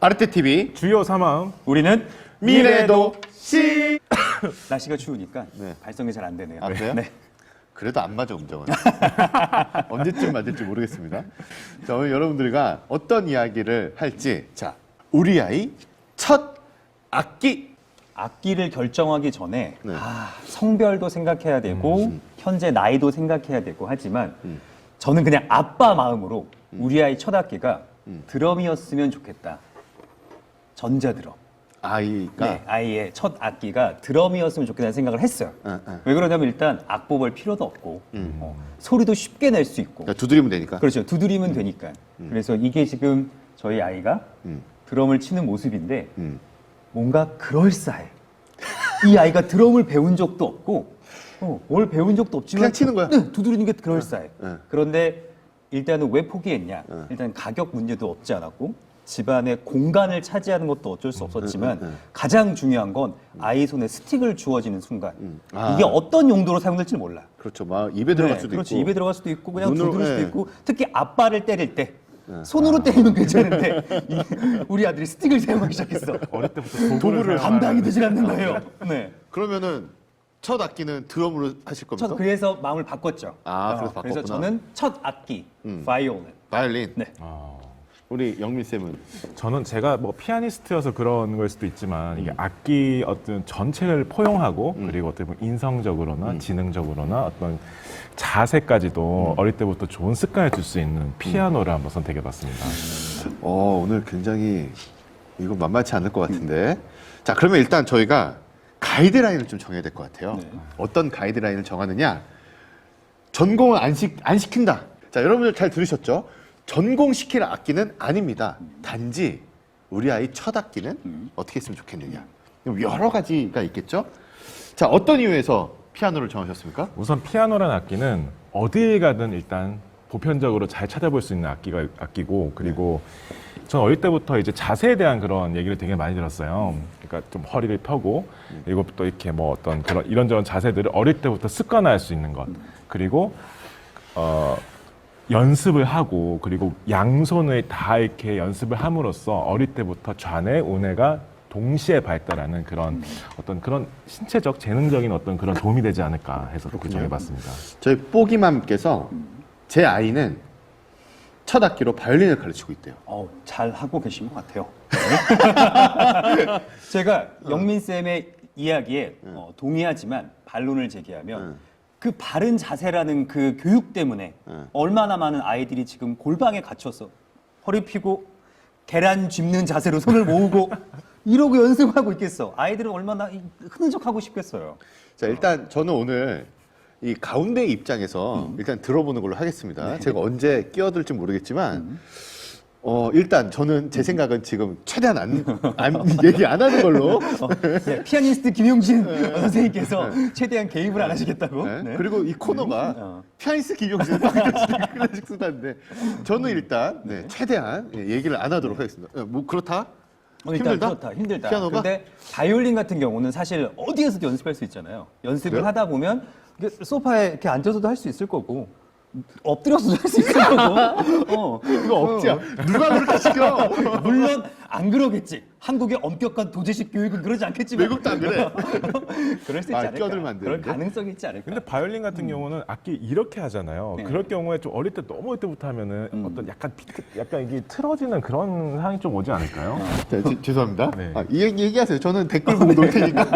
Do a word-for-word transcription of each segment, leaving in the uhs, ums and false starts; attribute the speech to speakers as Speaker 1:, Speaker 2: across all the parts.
Speaker 1: 아르테티비
Speaker 2: 주요 사망
Speaker 3: 우리는
Speaker 1: 미래도 시.
Speaker 3: 날씨가 추우니까
Speaker 1: 네.
Speaker 3: 발성이 잘 안 되네요.
Speaker 1: 안 돼요?
Speaker 3: 네.
Speaker 1: 그래도 안 맞아 음정은. 언제쯤 맞을지 모르겠습니다. 자, 오늘 여러분들과 어떤 이야기를 할지. 자, 우리 아이 첫 악기.
Speaker 3: 악기를 결정하기 전에
Speaker 1: 네.
Speaker 3: 아, 성별도 생각해야 되고 현재 나이도 생각해야 되고 하지만 저는 그냥 아빠 마음으로 우리 아이 첫 악기가 드럼이었으면 좋겠다. 전자드럼.
Speaker 1: 아이가
Speaker 3: 네, 아이의 첫 악기가 드럼이었으면 좋겠다는 생각을 했어요.
Speaker 1: 응, 응.
Speaker 3: 왜 그러냐면 일단 악보 볼 필요도 없고 어, 소리도 쉽게 낼 수 있고
Speaker 1: 그러니까 두드리면 되니까.
Speaker 3: 그렇죠. 두드리면 되니까. 그래서 이게 지금 저희 아이가
Speaker 1: 음.
Speaker 3: 드럼을 치는 모습인데
Speaker 1: 음.
Speaker 3: 뭔가 그럴싸해. 이 아이가 드럼을 배운 적도 없고 어, 뭘 배운 적도 없지만
Speaker 1: 그냥 치는 거야?
Speaker 3: 네, 두드리는 게 그럴싸해.
Speaker 1: 네.
Speaker 3: 그런데 일단은 왜 포기했냐?
Speaker 1: 네.
Speaker 3: 일단 가격 문제도 없지 않았고 집안의 공간을 차지하는 것도 어쩔 수 없었지만
Speaker 1: 네, 네, 네.
Speaker 3: 가장 중요한 건 아이 손에 스틱을 주어지는 순간
Speaker 1: 아.
Speaker 3: 이게 어떤 용도로 사용될지 몰라.
Speaker 1: 그렇죠. 막 입에 들어갈
Speaker 3: 네,
Speaker 1: 수도
Speaker 3: 그렇지.
Speaker 1: 있고.
Speaker 3: 입에 들어갈 수도 있고 그냥
Speaker 1: 눈으로,
Speaker 3: 두드릴 수도
Speaker 1: 네.
Speaker 3: 있고 특히 아빠를 때릴 때 손으로 때리면 괜찮은데 이, 우리 아들이 스틱을 사용하기 시작했어.
Speaker 2: 어릴 때부터 도구를,
Speaker 3: 도구를
Speaker 2: 사용하는-
Speaker 3: 감당이 되질 않는 거예요. 네.
Speaker 1: 그러면은 첫 악기는 드럼으로 하실 겁니까?
Speaker 3: 첫 그래서 마음을 바꿨죠.
Speaker 1: 아, 그래서
Speaker 3: 어, 그래서
Speaker 1: 바꿨구나.
Speaker 3: 저는 첫 악기
Speaker 1: 음.
Speaker 3: 바이올린.
Speaker 1: 바이올린.
Speaker 3: 네.
Speaker 2: 아,
Speaker 1: 우리 영민 쌤은
Speaker 2: 저는 제가 뭐 피아니스트여서 그런 걸 수도 있지만 이게 악기 어떤 전체를 포용하고 그리고 어떻게 보면 인성적으로나 지능적으로나 어떤 자세까지도 어릴 때부터 좋은 습관을 줄 수 있는 피아노를 한번 선택해봤습니다.
Speaker 1: 어, 오늘 굉장히 이거 만만치 않을 것 같은데. 자, 그러면 일단 저희가 가이드라인을 좀 정해야 될 것 같아요.
Speaker 3: 네.
Speaker 1: 어떤 가이드라인을 정하느냐? 전공을 안, 시, 안 시킨다. 자, 여러분들 잘 들으셨죠? 전공시킬 악기는 아닙니다. 단지 우리 아이 첫 악기는 어떻게 했으면 좋겠느냐. 여러 가지가 있겠죠? 자, 어떤 이유에서 피아노를 정하셨습니까?
Speaker 2: 우선 피아노라는 악기는 어디에 가든 일단 보편적으로 잘 찾아볼 수 있는 악기가 악기고 그리고 저는 어릴 때부터 이제 자세에 대한 그런 얘기를 되게 많이 들었어요. 그러니까 좀 허리를 펴고 그리고 또 이렇게 뭐 어떤 그런 이런저런 자세들을 어릴 때부터 습관화할 수 있는 것 그리고 어 연습을 하고 그리고 양손을 다 이렇게 연습을 함으로써 어릴 때부터 좌뇌 우뇌가 동시에 발달하는 그런 어떤 그런 신체적 재능적인 어떤 그런 도움이 되지 않을까 해서 그렇게 정해봤습니다.
Speaker 1: 저희 뽀기맘께서 제 아이는 첫 악기로 바이올린을 가르치고 있대요.
Speaker 3: 어, 잘 하고 계신 것 같아요. 제가 영민 쌤의 이야기에 어, 동의하지만 반론을 제기하면
Speaker 1: 응.
Speaker 3: 그 바른 자세라는 그 교육 때문에
Speaker 1: 응.
Speaker 3: 얼마나 많은 아이들이 지금 골방에 갇혀서 허리 펴고 계란 짚는 자세로 손을 모으고 이러고 연습하고 있겠어. 아이들은 얼마나 이- 흐느적하고 싶겠어요.
Speaker 1: 자, 일단 저는 오늘 이 가운데 입장에서 일단 들어보는 걸로 하겠습니다. 제가 언제 끼어들지 모르겠지만 어, 일단 저는 제 생각은 지금 최대한 안, 안 얘기 안 하는 걸로.
Speaker 3: 어, 네, 피아니스트 김용진 선생님께서 최대한 개입을 안 하시겠다고.
Speaker 1: 네.
Speaker 3: 네.
Speaker 1: 그리고 이 코너가
Speaker 3: 어.
Speaker 1: 피아니스트 김용진 클래식 수다인데 저는 일단 네, 최대한 예, 얘기를 안 하도록 하겠습니다. 예, 뭐 그렇다?
Speaker 3: 어, 일단
Speaker 1: 힘들다?
Speaker 3: 그렇다. 힘들다.
Speaker 1: 피아노가?
Speaker 3: 근데 바이올린 같은 경우는 사실 어디에서도 연습할 수 있잖아요. 연습을
Speaker 1: 그래요?
Speaker 3: 하다 보면 이게 소파에 이렇게 앉아서도 할 수 있을 거고 엎드려서도 할 수 있을 거고. 어.
Speaker 1: 이거 억지야. 누가 그렇게 시켜?
Speaker 3: 물론 안 그러겠지. 한국의 엄격한 도제식 교육은 그러지 않겠지만
Speaker 1: 외국도 안 그래.
Speaker 3: 그럴 수 있지
Speaker 1: 아,
Speaker 3: 않을까.
Speaker 1: 끼어들면 안
Speaker 3: 그럴
Speaker 1: 되는데.
Speaker 3: 가능성이 있지 않을까.
Speaker 2: 근데 바이올린 같은 경우는 악기 이렇게 하잖아요.
Speaker 3: 네.
Speaker 2: 그럴 경우에 좀 어릴 때 너무 어릴 때부터 하면은 어떤 약간 비트, 약간 이게 틀어지는 그런 상황이 좀 오지 않을까요?
Speaker 1: 자, 지- 죄송합니다.
Speaker 2: 네.
Speaker 1: 아, 이 얘기 얘기하세요. 저는 댓글 보고 놀 테니까.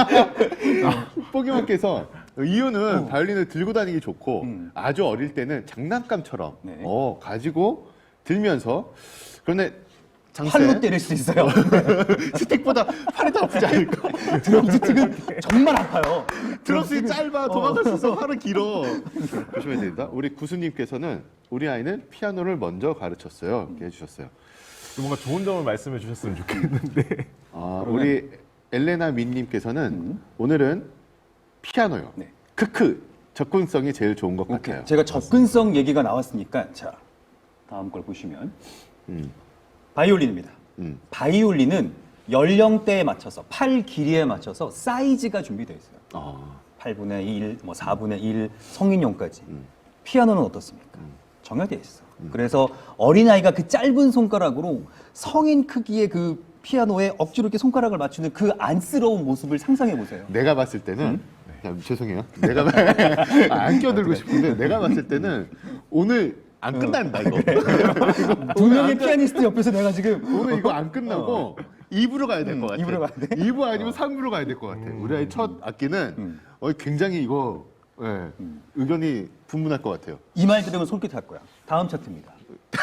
Speaker 1: 뽀기만께서 이유는 바이올린을 들고 다니기 좋고
Speaker 3: 음.
Speaker 1: 아주 어릴 때는 장난감처럼
Speaker 3: 네.
Speaker 1: 어, 가지고 들면서 그런데 장세
Speaker 3: 팔로 때릴 수 있어요.
Speaker 1: 스틱보다 팔이 더 아프지 않을까?
Speaker 3: 드럼 스틱은 정말 아파요.
Speaker 1: 드럼스틱 짧아
Speaker 3: 어.
Speaker 1: 도망갈 수 있어 팔은 길어. 조심해야 됩니다. 우리 구수님께서는 우리 아이는 피아노를 먼저 가르쳤어요. 이렇게 해주셨어요.
Speaker 2: 뭔가 좋은 점을 말씀해 주셨으면 좋겠는데.
Speaker 1: 아, 우리 엘레나 민님께서는 오늘은 피아노요.
Speaker 3: 네.
Speaker 1: 크크 접근성이 제일 좋은 것 같아요.
Speaker 3: 제가 접근성 얘기가 나왔으니까 자 다음 걸 보시면
Speaker 1: 음,
Speaker 3: 바이올린입니다.
Speaker 1: 음.
Speaker 3: 바이올린은 연령대에 맞춰서 팔 길이에 맞춰서 사이즈가 준비되어 있어요.
Speaker 1: 아,
Speaker 3: 팔분의 일, 뭐 사분의 일, 성인용까지. 피아노는 어떻습니까? 정해져 있어. 그래서 어린아이가 그 짧은 손가락으로 성인 크기의 그 피아노에 억지로 이렇게 손가락을 맞추는 그 안쓰러운 모습을 상상해 보세요.
Speaker 1: 내가 봤을 때는 야, 죄송해요. 내가 아, 안 껴들고 싶은데 내가 봤을 때는 오늘 안 끝난다 이거.
Speaker 3: 두 명의 피아니스트 옆에서 내가 지금
Speaker 1: 오늘 이거 안 끝나고 이 부로 가야 될 것 같아.
Speaker 3: 이 부로 가야 돼?
Speaker 1: 이 부 아니면 삼 부로 가야 될 것 같아. 우리 아이 첫 악기는 어, 굉장히 이거 예, 의견이 분분할 것 같아요.
Speaker 3: 이 말 들으면 솔깃할 거야. 다음 차트입니다.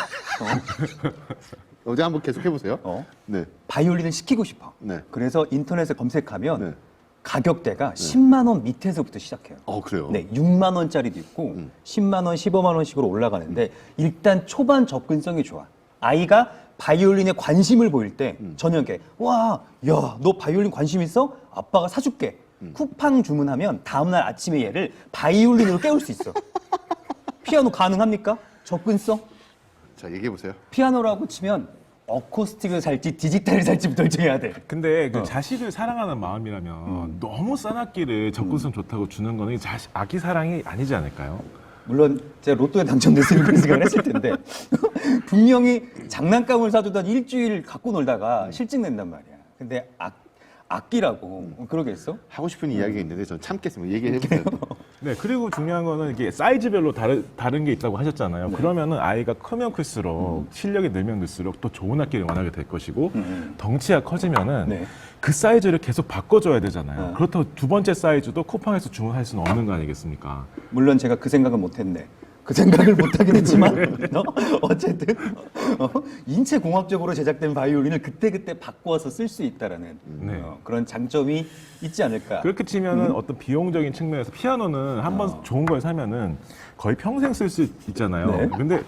Speaker 1: 어제 한번 계속 해보세요.
Speaker 3: 어?
Speaker 1: 네.
Speaker 3: 바이올린을 시키고 싶어.
Speaker 1: 네.
Speaker 3: 그래서 인터넷에 검색하면
Speaker 1: 네.
Speaker 3: 가격대가 십만 원 밑에서부터 시작해요.
Speaker 1: 어 그래요.
Speaker 3: 네, 육만 원짜리도 있고
Speaker 1: 음.
Speaker 3: 십만 원, 십오만 원씩으로 올라가는데 일단 초반 접근성이 좋아. 아이가 바이올린에 관심을 보일 때
Speaker 1: 음.
Speaker 3: 저녁에 와, 야, 너 바이올린 관심 있어? 아빠가 사줄게.
Speaker 1: 음.
Speaker 3: 쿠팡 주문하면 다음날 아침에 얘를 바이올린으로 깨울 수 있어. 피아노 가능합니까? 접근성?
Speaker 1: 자 얘기해 보세요.
Speaker 3: 피아노라고 치면 어쿠스틱을 살지 디지털을 살지 결정해야 돼.
Speaker 2: 근데 그
Speaker 3: 어.
Speaker 2: 자식을 사랑하는 마음이라면 너무 싼 악기를 접근성 좋다고 주는 거는 자식, 아기 사랑이 아니지 않을까요?
Speaker 3: 물론 제가 로또에 당첨됐으면 그런 생각을 했을 텐데 분명히 장난감을 사주던 일주일 갖고 놀다가 실증 낸단 말이야. 근데 악, 악기라고 그러겠어?
Speaker 1: 하고 싶은 이야기가 있는데 전 참겠습니다. 얘기해 보세요.
Speaker 2: 네, 그리고 중요한 거는 이게 사이즈별로 다른, 다른 게 있다고 하셨잖아요. 그러면은 아이가 크면 클수록 실력이 늘면 늘수록 또 좋은 악기를 원하게 될 것이고 덩치가 커지면은
Speaker 3: 네.
Speaker 2: 그 사이즈를 계속 바꿔줘야 되잖아요.
Speaker 3: 어.
Speaker 2: 그렇다고 두 번째 사이즈도 쿠팡에서 주문할 수는 없는 거 아니겠습니까?
Speaker 3: 물론 제가 그 생각은 못했네. 그 생각을 못하긴 했지만 어? 어쨌든 어? 인체 공학적으로 제작된 바이올린을 그때그때 바꿔서 쓸 수 있다라는
Speaker 2: 네.
Speaker 3: 어, 그런 장점이 있지 않을까.
Speaker 2: 그렇게 치면은 어떤 비용적인 측면에서 피아노는 한 번 좋은 걸 사면은 거의 평생 쓸 수 있잖아요.
Speaker 3: 네.
Speaker 2: 근데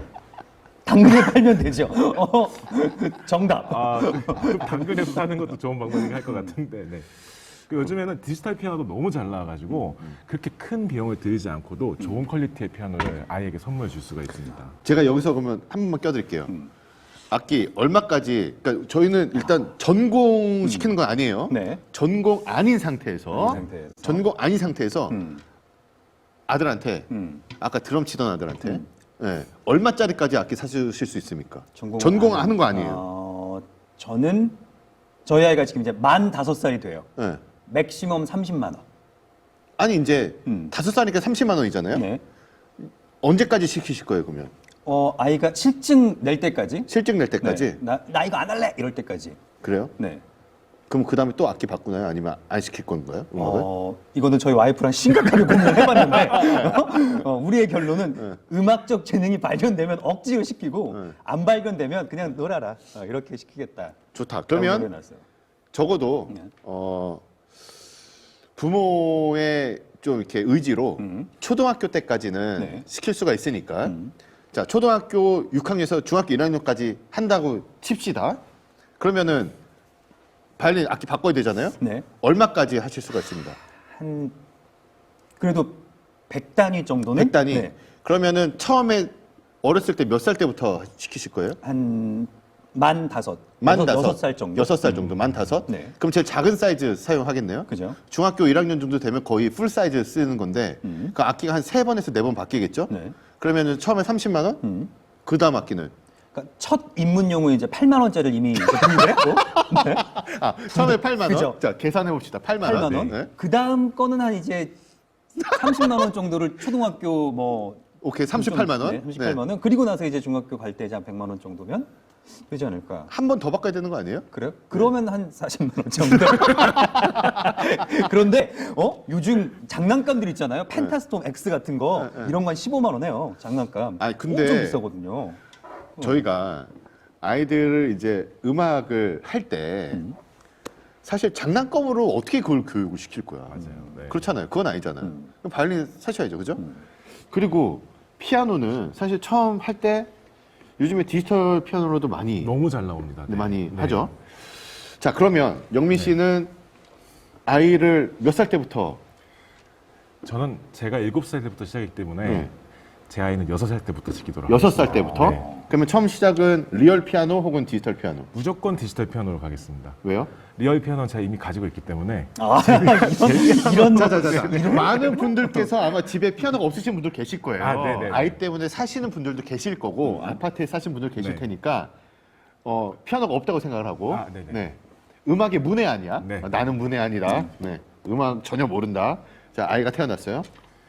Speaker 3: 당근에 팔면 되죠. 어, 정답.
Speaker 2: 아, 그 당근에서 사는 것도 좋은 방법이긴 할 것 같은데. 네. 그 요즘에는 디지털 피아노도 너무 잘 나와가지고 그렇게 큰 비용을 들이지 않고도 좋은 퀄리티의 피아노를 아이에게 선물해 줄 수가 있습니다.
Speaker 1: 제가 여기서 그러면 한 번만 껴드릴게요. 악기 얼마까지? 그러니까 저희는 일단 전공 시키는 건 아니에요.
Speaker 3: 네.
Speaker 1: 전공 아닌 상태에서,
Speaker 3: 아닌 상태에서.
Speaker 1: 전공 아닌 상태에서
Speaker 3: 음.
Speaker 1: 아들한테
Speaker 3: 음.
Speaker 1: 아까 드럼 치던 아들한테 네, 얼마짜리까지 악기 사주실 수 있습니까?
Speaker 3: 전공을
Speaker 1: 전공하는 거 아니에요.
Speaker 3: 어, 저는 저희 아이가 지금 이제 만 다섯 살이 돼요.
Speaker 1: 네.
Speaker 3: 맥시멈 삼십만 원.
Speaker 1: 아니 이제
Speaker 3: 음.
Speaker 1: 다섯 살이니까 삼십만 원이잖아요.
Speaker 3: 네.
Speaker 1: 언제까지 시키실 거예요, 그러면?
Speaker 3: 어, 아이가 실증 낼 때까지.
Speaker 1: 실증 낼 때까지?
Speaker 3: 네. 나, 나 이거 안 할래 이럴 때까지.
Speaker 1: 그래요?
Speaker 3: 네.
Speaker 1: 그럼 그 다음에 또 악기 바꾸나요? 아니면 안 시킬 건가요? 음악을?
Speaker 3: 어, 이거는 저희 와이프랑 심각하게 고민을 해봤는데 어, 우리의 결론은 음악적 재능이 발견되면 억지로 시키고
Speaker 1: 네.
Speaker 3: 안 발견되면 그냥 놀아라 어, 이렇게 시키겠다.
Speaker 1: 좋다. 그러면
Speaker 3: 해놨어요.
Speaker 1: 적어도
Speaker 3: 네.
Speaker 1: 어, 부모의 좀 이렇게 의지로
Speaker 3: 음.
Speaker 1: 초등학교 때까지는
Speaker 3: 네.
Speaker 1: 시킬 수가 있으니까
Speaker 3: 음.
Speaker 1: 자 초등학교 육 학년에서 중학교 일 학년까지 한다고 칩시다. 그러면은 바이올린 악기 바꿔야 되잖아요.
Speaker 3: 네.
Speaker 1: 얼마까지 하실 수가 있습니다.
Speaker 3: 한 그래도 백 단위 정도는
Speaker 1: 백 단위.
Speaker 3: 네.
Speaker 1: 그러면은 처음에 어렸을 때 몇 살 때부터 시키실 거예요?
Speaker 3: 한만 다섯,
Speaker 1: 만
Speaker 3: 여섯,
Speaker 1: 다섯,
Speaker 3: 여섯 살 정도.
Speaker 1: 여섯 살 정도, 만 다섯.
Speaker 3: 네.
Speaker 1: 그럼 제일 작은 사이즈 사용하겠네요.
Speaker 3: 그죠?
Speaker 1: 중학교 일 학년 정도 되면 거의 풀 사이즈 쓰는 건데,
Speaker 3: 음.
Speaker 1: 그 악기가 한 세 번에서 네 번 바뀌겠죠?
Speaker 3: 네.
Speaker 1: 그러면은 처음에 삼십만 원,
Speaker 3: 음.
Speaker 1: 그 다음 악기는
Speaker 3: 그러니까 첫 입문용은 이제 팔만 원짜리를 이미 이제 구입을 했고 네.
Speaker 1: 아 처음에 팔만 원.
Speaker 3: 그죠?
Speaker 1: 자 계산해 봅시다. 팔만 원.
Speaker 3: 팔만 원.
Speaker 1: 네.
Speaker 3: 그 다음 거는 한 이제 삼십만 원 정도를 초등학교 뭐
Speaker 1: 오케이 삼십팔만 원.
Speaker 3: 네, 삼십팔만 원. 그리고 나서 이제 중학교 갈 때 이제 한 백만 원 정도면 되지 않을까?
Speaker 1: 한 번 더 바꿔야 되는 거 아니에요?
Speaker 3: 그래요? 그러면 한 사십만 원 정도. 그런데 어 요즘 장난감들 있잖아요. 펜타스톰 X 같은 거
Speaker 1: 네, 네.
Speaker 3: 이런 거 한 십오만 원 해요. 장난감.
Speaker 1: 아니, 근데
Speaker 3: 엄청 비싸거든요.
Speaker 1: 저희가 아이들을 이제 음악을 할 때
Speaker 3: 음.
Speaker 1: 사실 장난감으로 어떻게 그걸 교육을 시킬 거야?
Speaker 2: 맞아요. 네.
Speaker 1: 그렇잖아요. 그건 아니잖아요.
Speaker 3: 음.
Speaker 1: 그럼 바이올린 사셔야죠, 그죠? 그리고 피아노는 사실 처음 할 때 요즘에 디지털 피아노로도 많이
Speaker 2: 너무 잘 나옵니다. 네.
Speaker 1: 많이
Speaker 2: 네.
Speaker 1: 하죠. 자, 그러면 영민 씨는 아이를 몇 살 때부터
Speaker 2: 저는 제가 일곱 살 때부터 시작했기 때문에
Speaker 1: 네.
Speaker 2: 제 아이는 여섯 살 때부터 치기도록
Speaker 1: 여섯 살
Speaker 2: 하겠습니다.
Speaker 1: 때부터?
Speaker 2: 네.
Speaker 1: 그러면 처음 시작은 리얼 피아노 혹은 디지털 피아노.
Speaker 2: 무조건 디지털 피아노로 가겠습니다.
Speaker 1: 왜요?
Speaker 2: 리얼 피아노는 제가 이미 가지고 있기 때문에
Speaker 3: 아, 이런 이런
Speaker 1: 자자자자. 많은 분들께서 아마 집에 피아노가 없으신 분들 계실 거예요.
Speaker 2: 아, 네네네.
Speaker 1: 아이 때문에 사시는 분들도 계실 거고 아파트에 사신 분들 계실
Speaker 2: 네.
Speaker 1: 테니까 어, 피아노가 없다고 생각을 하고
Speaker 2: 아, 네네.
Speaker 1: 네. 음악의 문외한이야.
Speaker 2: 네.
Speaker 1: 아, 나는 문외한이다. 네. 음악 전혀 모른다. 자, 아이가 태어났어요.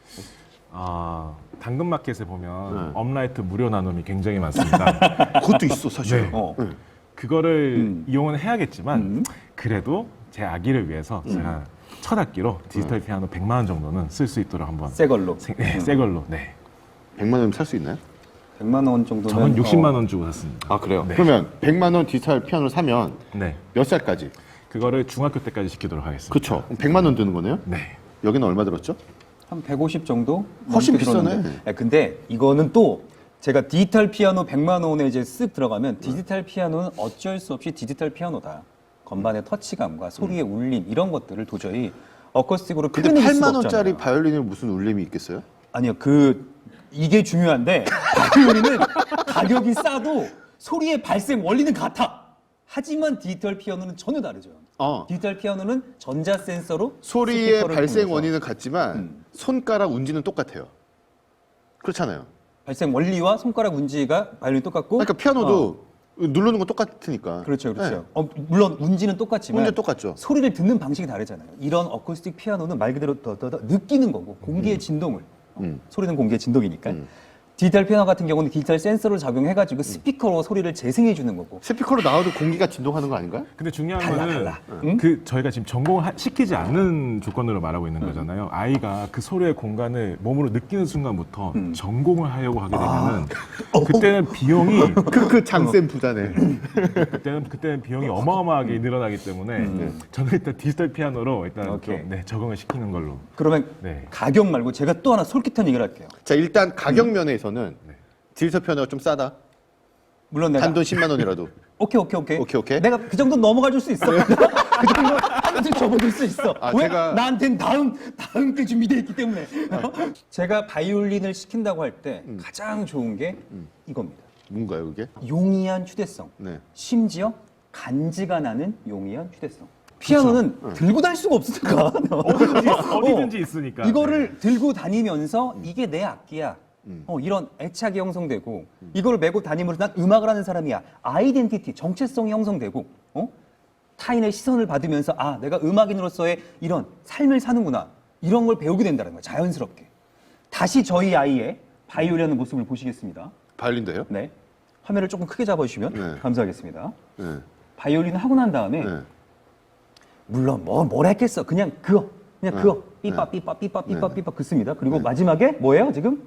Speaker 2: 아, 당근마켓에 보면
Speaker 1: 네.
Speaker 2: 업라이트 무료 나눔이 굉장히 많습니다.
Speaker 1: 그것도 있어 사실.
Speaker 2: 네.
Speaker 3: 어.
Speaker 1: 네.
Speaker 2: 그거를
Speaker 3: 음.
Speaker 2: 이용은 해야겠지만
Speaker 3: 음.
Speaker 2: 그래도 제 아기를 위해서 제가 첫 학기로 디지털 피아노 백만 원 정도는 쓸 수 있도록 한번
Speaker 3: 새 걸로.
Speaker 2: 생- 네, 새 걸로. 네.
Speaker 1: 백만 원이면 살 수 있나요?
Speaker 3: 백만 원 정도면
Speaker 2: 저는 육십만
Speaker 3: 어,
Speaker 2: 원 주고 샀습니다.
Speaker 1: 아 그래요?
Speaker 2: 네.
Speaker 1: 그러면 백만 원 디지털 피아노를 사면
Speaker 2: 네.
Speaker 1: 몇 살까지?
Speaker 2: 그거를 중학교 때까지 시키도록 하겠습니다.
Speaker 1: 그렇죠. 백만 원 드는 거네요.
Speaker 2: 네.
Speaker 1: 여기는 얼마 들었죠?
Speaker 3: 한 백오십 정도?
Speaker 1: 훨씬
Speaker 3: 넘게
Speaker 1: 비싸네.
Speaker 3: 들었는데. 네, 근데 이거는 또 제가 디지털 피아노 백만 원에 이제 쓱 들어가면 디지털 피아노는 어쩔 수 없이 디지털 피아노다. 건반의 터치감과 소리의 울림 이런 것들을 도저히 어쿠스틱으로
Speaker 1: 근데
Speaker 3: 표현해낼 수가
Speaker 1: 팔만 원짜리
Speaker 3: 없잖아요.
Speaker 1: 바이올린에 무슨 울림이 있겠어요?
Speaker 3: 아니요, 그 이게 중요한데 바이올린은 가격이 싸도 소리의 발생 원리는 같아. 하지만 디지털 피아노는 전혀 다르죠.
Speaker 1: 어.
Speaker 3: 디지털 피아노는 전자 센서로
Speaker 1: 소리의
Speaker 3: 스피커를
Speaker 1: 발생
Speaker 3: 통해서
Speaker 1: 원인은 같지만
Speaker 3: 음.
Speaker 1: 손가락 운지는 똑같아요. 그렇잖아요.
Speaker 3: 발생 원리와 손가락 운지가 바이올린 똑같고
Speaker 1: 그러니까 피아노도 누르는 건 똑같으니까.
Speaker 3: 그렇죠, 그렇죠.
Speaker 1: 네.
Speaker 3: 어, 물론 운지는 똑같지만
Speaker 1: 운지 똑같죠.
Speaker 3: 소리를 듣는 방식이 다르잖아요. 이런 어쿠스틱 피아노는 말 그대로 더더더 느끼는 거고 공기의 진동을
Speaker 1: 음.
Speaker 3: 소리는 공기의 진동이니까.
Speaker 1: 음.
Speaker 3: 디지털 피아노 같은 경우는 디지털 센서를 작용해가지고 스피커로 소리를 재생해 주는 거고.
Speaker 1: 스피커로 나와도 공기가 진동하는 거 아닌가요?
Speaker 2: 근데 중요한
Speaker 3: 달라,
Speaker 2: 거는
Speaker 3: 달라. 응?
Speaker 2: 그 저희가 지금 전공을 하- 시키지 않는 조건으로 말하고 있는 거잖아요. 아이가 그 소리의 공간을 몸으로 느끼는 순간부터 전공을 하려고 하게 되면은 그때는 비용이
Speaker 1: 그, 그 장센 부자네.
Speaker 2: 그때는 그때는 비용이 어마어마하게 늘어나기 때문에 저는 일단 디지털 피아노로 일단
Speaker 3: 오케이.
Speaker 2: 좀, 네, 적응을 시키는 걸로.
Speaker 3: 그러면
Speaker 2: 네.
Speaker 3: 가격 말고 제가 또 하나 솔깃한 얘기를 할게요.
Speaker 1: 자, 일단 가격 면에서는
Speaker 2: 네.
Speaker 1: 디지털 피아노가 좀 싸다.
Speaker 3: 물론 내가
Speaker 1: 단돈 십만 원이라도.
Speaker 3: 오케이 오케이 오케이
Speaker 1: 오케이, 오케이.
Speaker 3: 내가 그 정도 넘어가 줄 수 있어. 그 정도 한번 접어줄 수 있어.
Speaker 1: 아,
Speaker 3: 왜?
Speaker 1: 제가-
Speaker 3: 나한텐 다음 다음 게 준비되어 있기 때문에. 어? 제가 바이올린을 시킨다고 할 때
Speaker 1: 음.
Speaker 3: 가장 좋은 게 이겁니다.
Speaker 1: 뭔가요, 그게?
Speaker 3: 용이한 휴대성.
Speaker 1: 네.
Speaker 3: 심지어 간지가 나는 용이한 휴대성. 피아노는
Speaker 1: 응.
Speaker 3: 들고 다닐 수가 없으니까.
Speaker 2: 어디든지, 어디든지 있으니까.
Speaker 3: 이거를 들고 다니면서 이게 내 악기야.
Speaker 1: 음.
Speaker 3: 어, 이런 애착이 형성되고 이걸 메고 다니면서 난 음악을 하는 사람이야. 아이덴티티, 정체성이 형성되고 어? 타인의 시선을 받으면서 아 내가 음악인으로서의 이런 삶을 사는구나. 이런 걸 배우게 된다는 거야. 자연스럽게. 다시 저희 아이의 바이올린하는 모습을 보시겠습니다.
Speaker 1: 바이올린도요?
Speaker 3: 네. 화면을 조금 크게 잡아주시면
Speaker 1: 네.
Speaker 3: 감사하겠습니다.
Speaker 1: 네.
Speaker 3: 바이올린을 하고 난 다음에
Speaker 1: 네.
Speaker 3: 물론 뭐 뭘 했겠어. 그냥 그거. 그냥
Speaker 1: 네.
Speaker 3: 그거. 삐빠
Speaker 1: 네.
Speaker 3: 삐빠 삐빠 삐빠
Speaker 1: 네.
Speaker 3: 삐빠 긋습니다. 그리고 마지막에 뭐예요 지금?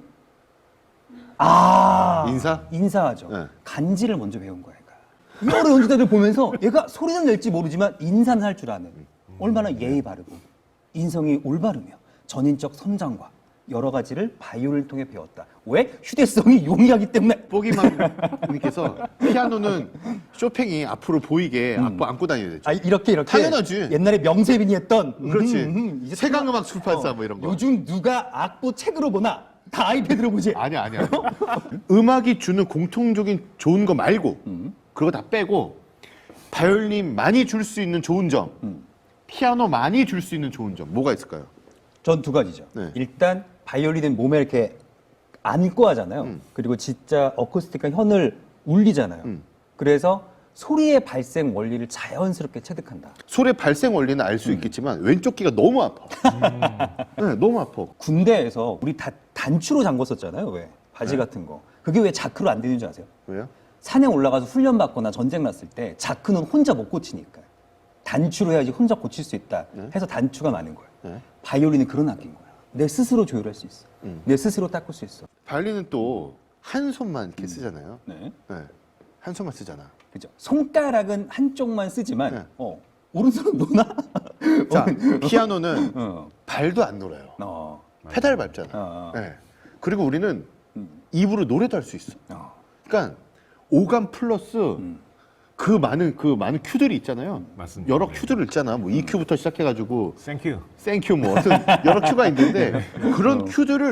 Speaker 3: 아
Speaker 1: 인사?
Speaker 3: 인사하죠.
Speaker 1: 네.
Speaker 3: 간지를 먼저 배운 거야. 얘가. 여러 연주자들 보면서 얘가 소리는 낼지 모르지만 인사는 할 줄 아는 얼마나 예의 바르고 인성이 올바르며 전인적 선장과 여러 가지를 바이올린을 통해 배웠다. 왜? 휴대성이 용이하기 때문에.
Speaker 1: 뽀기맘님께서 피아노는 쇼팽이 앞으로 보이게 앞으로 안고 다녀야 되죠.
Speaker 3: 아 이렇게 이렇게
Speaker 1: 당연하지.
Speaker 3: 옛날에 명세빈이 했던
Speaker 1: 그렇지.
Speaker 3: 음, 음, 이제
Speaker 1: 세강음악 출판사 뭐 이런 거.
Speaker 3: 요즘 누가 악보 책으로 보나 다 아이패드로 보지.
Speaker 1: 아니야, 아니야. 음악이 주는 공통적인 좋은 거 말고 그거 다 빼고 바이올린 많이 줄 수 있는 좋은 점, 피아노 많이 줄 수 있는 좋은 점 뭐가 있을까요?
Speaker 3: 전 두 가지죠.
Speaker 1: 네.
Speaker 3: 일단 바이올린은 몸에 이렇게 안고 하잖아요.
Speaker 1: 음.
Speaker 3: 그리고 진짜 어쿠스틱한 현을 울리잖아요.
Speaker 1: 음.
Speaker 3: 그래서 소리의 발생 원리를 자연스럽게 체득한다.
Speaker 1: 소리의 발생 원리는 알 수 있겠지만 왼쪽 귀가 너무 아파. 네, 너무 아파.
Speaker 3: 군대에서 우리 다 단추로 잠궜었잖아요. 왜? 바지
Speaker 1: 네.
Speaker 3: 같은 거. 그게 왜 자크로 안 되는 줄 아세요?
Speaker 1: 왜요?
Speaker 3: 산에 올라가서 훈련 받거나 전쟁 났을 때 자크는 혼자 못 고치니까 단추로 해야지 혼자 고칠 수 있다
Speaker 1: 네.
Speaker 3: 해서 단추가 많은 거예요.
Speaker 1: 네.
Speaker 3: 바이올린은 그런 악기인 거야. 내 스스로 조율할 수 있어.
Speaker 1: 음.
Speaker 3: 내 스스로 닦을 수 있어.
Speaker 1: 바이올린은 또 한 손만 이렇게 쓰잖아요.
Speaker 3: 네.
Speaker 1: 네. 한 손만 쓰잖아.
Speaker 3: 그죠. 손가락은 한쪽만 쓰지만
Speaker 1: 네.
Speaker 3: 어, 오른손은 노나?
Speaker 1: 자, 피아노는
Speaker 3: 어.
Speaker 1: 발도 안 놀아요.
Speaker 3: 어.
Speaker 1: 페달 밟잖아.
Speaker 3: 어.
Speaker 1: 네. 그리고 우리는
Speaker 3: 음.
Speaker 1: 입으로 노래도 할 수 있어.
Speaker 3: 어.
Speaker 1: 그러니까 오감 플러스
Speaker 3: 음.
Speaker 1: 그 많은 그 많은 큐들이 있잖아요.
Speaker 2: 맞습니다.
Speaker 1: 여러
Speaker 2: 네.
Speaker 1: 큐들을 있잖아. 뭐 이 큐부터 시작해가지고
Speaker 2: 땡큐.
Speaker 1: 땡큐 뭐 하여튼 여러 큐가 있는데 그런
Speaker 3: 어.
Speaker 1: 큐들을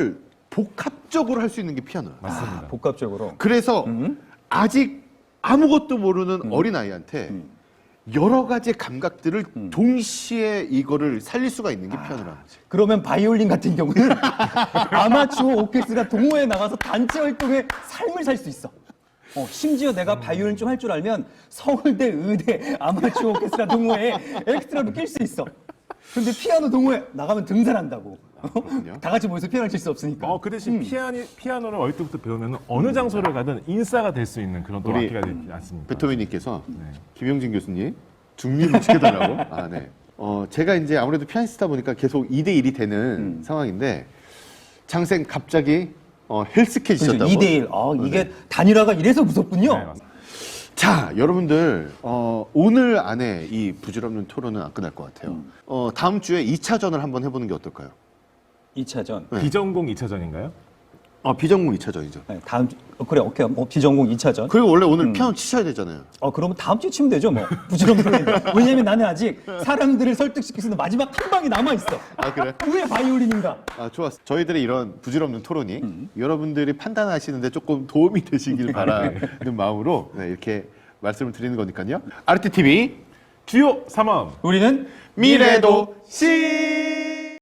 Speaker 1: 복합적으로 할 수 있는 게 피아노야.
Speaker 2: 맞습니다.
Speaker 3: 아, 복합적으로.
Speaker 1: 그래서
Speaker 3: 음.
Speaker 1: 아직 아무것도 모르는 어린 아이한테
Speaker 3: 음.
Speaker 1: 여러 가지 감각들을
Speaker 3: 음.
Speaker 1: 동시에 이거를 살릴 수가 있는 게 피아노라는 거지.
Speaker 3: 그러면 바이올린 같은 경우는 아마추어 오케스트라 동호회에 나가서 단체 활동에 삶을 살 수 있어. 어, 심지어 내가 바이올린 좀 할 줄 알면 서울대, 의대, 아마추어 오케스트라 동호회에 엑스트라로 낄 수 있어. 근데 피아노 동호회 나가면 등산한다고.
Speaker 1: 그렇군요.
Speaker 3: 다 같이 모여서 피아노 칠 수 없으니까.
Speaker 2: 어, 그 대신
Speaker 3: 음.
Speaker 2: 피아니, 피아노를 어릴 때부터 배우면 어느 장소를 가든 인싸가 될 수 있는 그런 또
Speaker 1: 우리
Speaker 2: 악기가 되지 않습니까?
Speaker 1: 베토벤님께서
Speaker 2: 네.
Speaker 1: 김용진 교수님 중립을 지켜달라고. 아, 네. 어, 제가 이제 아무래도 피아니스트다 보니까 계속 이 대 일이 되는
Speaker 3: 음.
Speaker 1: 상황인데 장생 갑자기 어, 헬스케지셨다고.
Speaker 3: 그렇죠. 이 대 일. 아, 이게 단일화가 이래서 무섭군요.
Speaker 2: 네, 맞습니다.
Speaker 1: 자, 여러분들 어, 오늘 안에 이 부질없는 토론은 안 끝날 것 같아요.
Speaker 3: 음.
Speaker 1: 어, 다음 주에 이 차전을 한번 해보는 게 어떨까요?
Speaker 3: 이 차전.
Speaker 1: 네.
Speaker 2: 비전공 이 차전인가요?
Speaker 1: 어, 비전공 이 차전이죠.
Speaker 3: 네, 다음 주, 어, 그래, 오케이. 뭐, 비전공 이 차전.
Speaker 1: 그리고 원래 오늘
Speaker 3: 음.
Speaker 1: 피아노 치셔야 되잖아요.
Speaker 3: 어, 그러면 다음 주에 치면 되죠, 뭐. 부지런히. 왜냐면 나는 아직 사람들을 설득시킬 수 있는 마지막 한 방이 남아있어.
Speaker 1: 아, 그래?
Speaker 3: 왜 바이올린인가?
Speaker 1: 아, 좋았어. 저희들의 이런 부질없는 토론이
Speaker 3: 음.
Speaker 1: 여러분들이 판단하시는데 조금 도움이 되시길 바라는 마음으로 네, 이렇게 말씀을 드리는 거니까요. 아르티티비
Speaker 2: 주요 삼 원
Speaker 3: 우리는
Speaker 1: 미래도 시